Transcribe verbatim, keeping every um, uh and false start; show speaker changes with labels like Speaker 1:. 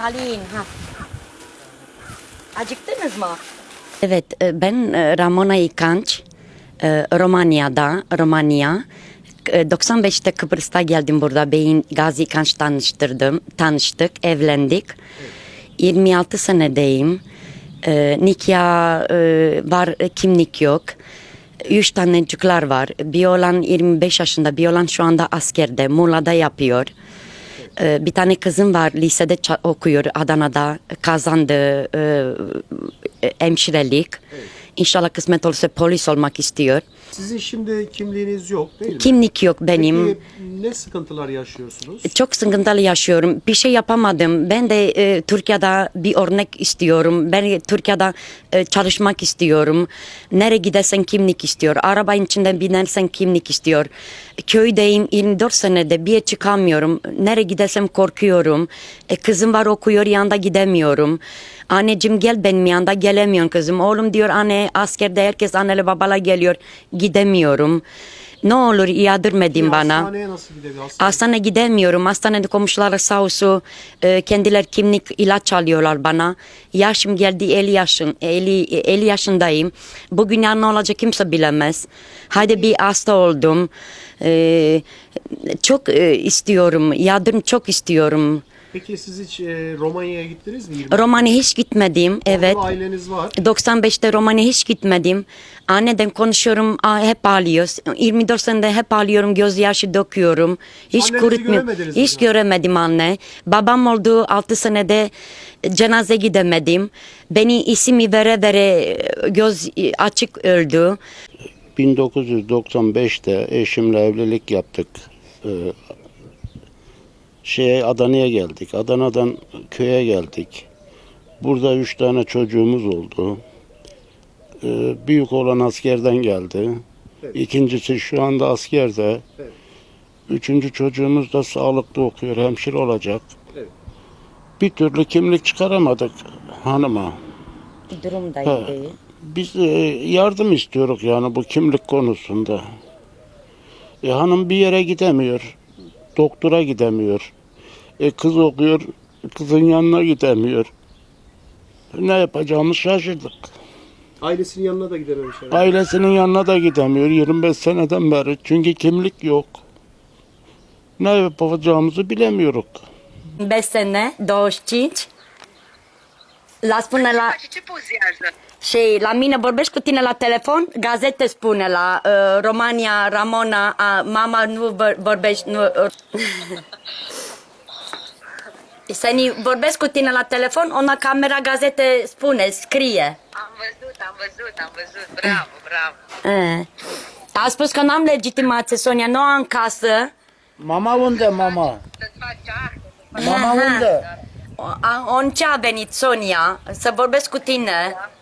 Speaker 1: Alin. Ha. Acıktınız mı? Evet, e, ben e, Ramona İkanç. E, Romanya'da, Romanya. E, doksan beşte Kıbrıs'ta geldim burada. Beyin Gazi İkanç tanıştırdım. Tanıştık, evlendik. yirmi altı senedeyim. E, nikah e, var, kimlik yok. Üç tane çocuklar var. Bir olan yirmi beş yaşında, bir olan şu anda askerde, Muğla'da yapıyor. Bir tane kızım var, lisede okuyor, Adana'da kazandı e, hemşirelik.
Speaker 2: Evet.
Speaker 1: İnşallah kısmet olursa polis olmak istiyor.
Speaker 2: Sizin şimdi kimliğiniz yok değil mi?
Speaker 1: Kimlik yok benim.
Speaker 2: Peki ne sıkıntılar yaşıyorsunuz?
Speaker 1: Çok sıkıntılı yaşıyorum. Bir şey yapamadım. Ben de e, Türkiye'de bir örnek istiyorum. Ben Türkiye'de e, çalışmak istiyorum. Nereye gidersen kimlik istiyor. Arabanın içinde binersen kimlik istiyor. Köydeyim yirmi dört senede bir yere çıkamıyorum. Nereye gidersem korkuyorum. E, kızım var okuyor, yanında gidemiyorum. Anneciğim gel benim yanında, gelemiyorum kızım. Oğlum diyor anne askerde herkes anneli babala geliyor. Gidemiyorum. Ne olur yadırmedin bana.
Speaker 2: Hastaneye nasıl gidebilir? Hastane.
Speaker 1: Hastaneye gidemiyorum. Hastanede komşuları sağ olsun e, kendiler kimlik ilaç alıyorlar bana. Yaşım geldi elli yaşın, elli, elli yaşındayım. Bugün yarın ne olacak kimse bilemez. Hadi bir hasta oldum. E, çok e, istiyorum. Yardım çok istiyorum.
Speaker 2: Peki siz hiç e, Romanya'ya gittiniz mi? yirmi
Speaker 1: Romanya hiç gitmedim. Evet.
Speaker 2: Orada aileniz var.
Speaker 1: doksan beşte Romanya hiç gitmedim. Anneden konuşuyorum, aa, hep ağlıyoruz. yirmi dört senede hep ağlıyorum, gözyaşı döküyorum. Hiç
Speaker 2: Annenizi
Speaker 1: kurutmuyorum.
Speaker 2: göremediniz mi
Speaker 1: Hiç
Speaker 2: zaten?
Speaker 1: göremedim anne. Babam oldu altı senede cenaze gidemedim. Beni ismi vere vere göz açık öldü.
Speaker 3: bin dokuz yüz doksan beşte eşimle evlilik yaptık. Ee, şeye Adana'ya geldik. Adana'dan köye geldik. Burada üç tane çocuğumuz oldu. Ee, büyük olan askerden geldi.
Speaker 2: Evet.
Speaker 3: İkincisi şu anda askerde.
Speaker 2: Evet.
Speaker 3: Üçüncü çocuğumuz da sağlıklı okuyor, hemşire olacak.
Speaker 2: Evet.
Speaker 3: Bir türlü kimlik çıkaramadık hanıma.
Speaker 1: Durum da
Speaker 3: Ha.
Speaker 1: iyi değil.
Speaker 3: Biz e, yardım istiyoruz yani bu kimlik konusunda. E, hanım bir yere gidemiyor. Doktora gidemiyor. E, kız okuyor. Kızın yanına gidemiyor. Ne yapacağımızı şaşırdık.
Speaker 2: Ailesinin yanına da gidememiş herhalde.
Speaker 3: Ailesinin yanına da gidemiyor yirmi beş seneden beri. Çünkü kimlik yok. Ne yapacağımızı bilemiyoruz.
Speaker 1: beş sene, douăzeci și cinci. La spune la...
Speaker 4: Face ce pozează?
Speaker 1: Și la mine vorbești cu tine la telefon, gazete spune la uh, Romania, Ramona, uh, mama nu vor- vorbești, nu... Uh, Seni vorbesc cu tine la telefon, ona camera gazete spune, scrie.
Speaker 4: Am văzut, am văzut, am văzut. Bravo, bravo.
Speaker 1: Uh. A spus că n-am legitimație, Sonia, nu am casă.
Speaker 5: Mama unde, mama?
Speaker 4: Să-ți faci acte.
Speaker 5: Mama unde?
Speaker 1: O- a- On ce a venit, Sonia, să vorbesc cu tine.